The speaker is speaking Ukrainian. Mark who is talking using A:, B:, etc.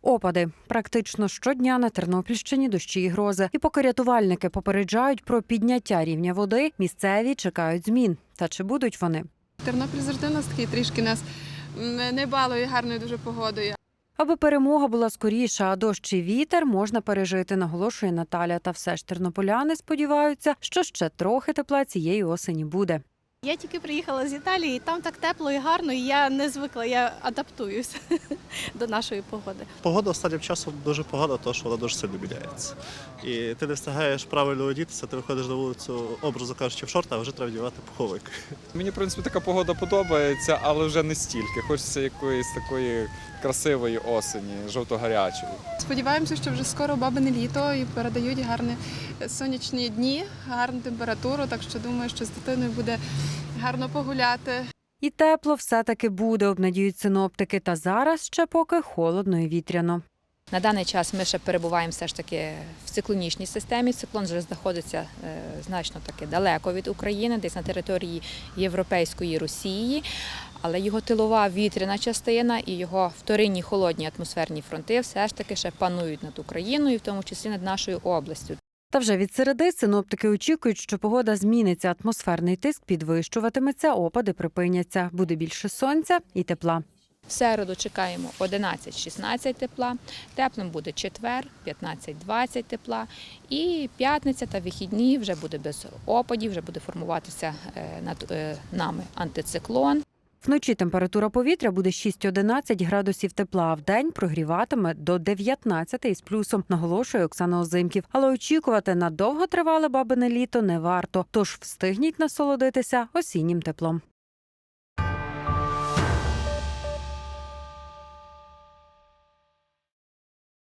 A: Опади. Практично щодня на Тернопільщині дощі і грози. І поки рятувальники попереджають про підняття рівня води, місцеві чекають змін. Та чи будуть вони?
B: Тернопіль завжди у нас такий трішки нас не балує гарною дуже погодою.
A: Аби перемога була скоріша, а дощ і вітер можна пережити, наголошує Наталя. Та все ж тернополяни сподіваються, що ще трохи тепла цієї осені буде.
C: Я тільки приїхала з Італії, і там так тепло і гарно, і я не звикла, я адаптуюся до нашої погоди.
D: Погода останнім часом дуже погана, тому що вона дуже сильно міняється. І ти не встигаєш правильно одітися, ти виходиш на вулицю, образно кажучи, в шорти, а вже треба вдівати пуховик.
E: Мені, в принципі, така погода подобається, але вже не стільки. Хочеться якоїсь такої красивої осені, жовто-гарячої.
B: Сподіваємося, що вже скоро бабине літо і передають гарні сонячні дні, гарну температуру, так що думаю, що з дитиною буде гарно погуляти.
A: І тепло все-таки буде, обнадіють синоптики. Та зараз ще поки холодно і вітряно.
F: На даний час ми ще перебуваємо все ж таки в циклонічній системі. Циклон вже знаходиться значно таки далеко від України, десь на території Європейської Росії. Але його тилова вітряна частина і його вторинні холодні атмосферні фронти все ж таки ще панують над Україною, в тому числі над нашою областю.
A: Та вже від середи синоптики очікують, що погода зміниться, атмосферний тиск підвищуватиметься, опади припиняться, буде більше сонця і тепла.
F: В середу чекаємо 11-16 тепла, теплим буде четвер, 15-20 тепла, і п'ятниця та вихідні вже буде без опадів, вже буде формуватися над нами антициклон.
A: Вночі температура повітря буде 6-11 градусів тепла, а вдень прогріватиме до 19 із плюсом, наголошує Оксана Озимків. Але очікувати на довготривале бабине літо не варто, тож встигніть насолодитися осіннім теплом.